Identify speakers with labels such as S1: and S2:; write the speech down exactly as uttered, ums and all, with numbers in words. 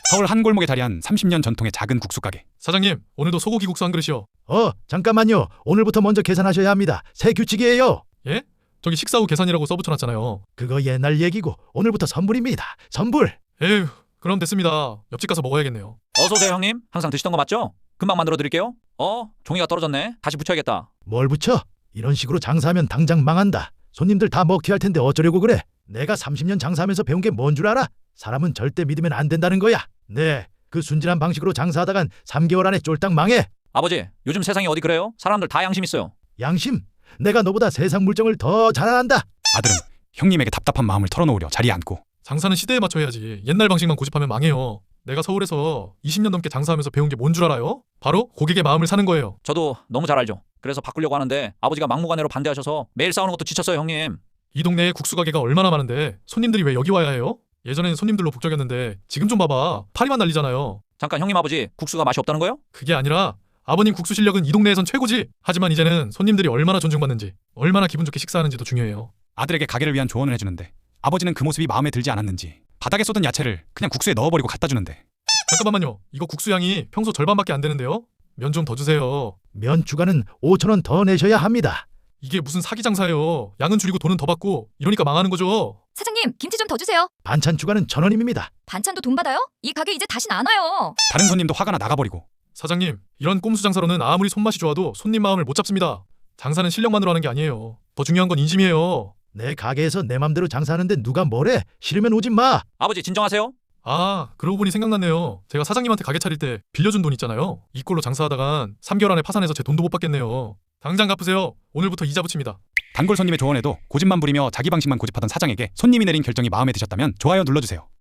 S1: 서울 한 골목에 자리한 삼십 년 전통의 작은 국수 가게.
S2: 사장님, 오늘도 소고기 국수 한 그릇이요.
S3: 어, 잠깐만요. 오늘부터 먼저 계산하셔야 합니다. 새 규칙이에요.
S2: 예? 저기 식사 후 계산이라고 써붙여놨잖아요.
S3: 그거 옛날 얘기고 오늘부터 선불입니다. 선불.
S2: 에휴, 그럼 됐습니다. 옆집 가서 먹어야겠네요.
S4: 어서 오세요 형님. 항상 드시던 거 맞죠? 금방 만들어 드릴게요. 어? 종이가 떨어졌네. 다시 붙여야겠다.
S3: 뭘 붙여? 이런 식으로 장사하면 당장 망한다. 손님들 다 먹튀 할 텐데 어쩌려고 그래? 내가 삼십 년 장사하면서 배운 게 뭔 줄 알아? 사람은 절대 믿으면 안 된다는 거야. 네, 그 순진한 방식으로 장사하다간 삼 개월 안에 쫄딱 망해.
S4: 아버지, 요즘 세상이 어디 그래요? 사람들 다 양심 있어요.
S3: 양심? 내가 너보다 세상 물정을 더 잘 안다.
S1: 아들은 형님에게 답답한 마음을 털어놓으려 자리에 앉고.
S2: 장사는 시대에 맞춰 해야지. 옛날 방식만 고집하면 망해요. 내가 서울에서 이십 년 넘게 장사하면서 배운 게 뭔 줄 알아요? 바로 고객의 마음을 사는 거예요.
S4: 저도 너무 잘 알죠. 그래서 바꾸려고 하는데 아버지가 막무가내로 반대하셔서 매일 싸우는 것도 지쳤어요 형님.
S2: 이 동네에 국수 가게가 얼마나 많은데 손님들이 왜 여기 와야 해요? 예전엔 손님들로 북적였는데 지금 좀 봐봐. 파리만 날리잖아요.
S4: 잠깐 형님 아버지, 국수가 맛이 없다는 거예요?
S2: 그게 아니라 아버님 국수 실력은 이 동네에선 최고지. 하지만 이제는 손님들이 얼마나 존중받는지, 얼마나 기분 좋게 식사하는지도 중요해요.
S1: 아들에게 가게를 위한 조언을 해주는데 아버지는 그 모습이 마음에 들지 않았는지 바닥에 쏟은 야채를 그냥 국수에 넣어버리고 갖다 주는데.
S2: 잠깐만요. 이거 국수 양이 평소 절반밖에 안 되는데요. 면 좀 더 주세요.
S3: 면 추가는 오천 원 더 내셔야 합니다.
S2: 이게 무슨 사기 장사예요. 양은 줄이고 돈은 더 받고 이러니까 망하는 거죠.
S5: 사장님, 김치 좀 더 주세요.
S3: 반찬 추가는 천 원입니다.
S5: 반찬도 돈 받아요? 이 가게 이제 다신 안 와요.
S1: 다른 손님도 화가 나 나가버리고.
S2: 사장님, 이런 꼼수 장사로는 아무리 손맛이 좋아도 손님 마음을 못 잡습니다. 장사는 실력만으로 하는 게 아니에요. 더 중요한 건 인심이에요.
S3: 내 가게에서 내 맘대로 장사하는데 누가 뭐래? 싫으면 오지 마.
S4: 아버지 진정하세요.
S2: 아, 그러고 보니 생각났네요. 제가 사장님한테 가게 차릴 때 빌려준 돈 있잖아요. 이 꼴로 장사하다간 삼 개월 안에 파산해서 제 돈도 못 받겠네요. 당장 갚으세요. 오늘부터 이자 붙입니다.
S1: 단골 손님의 조언에도 고집만 부리며 자기 방식만 고집하던 사장에게 손님이 내린 결정이 마음에 드셨다면 좋아요 눌러주세요.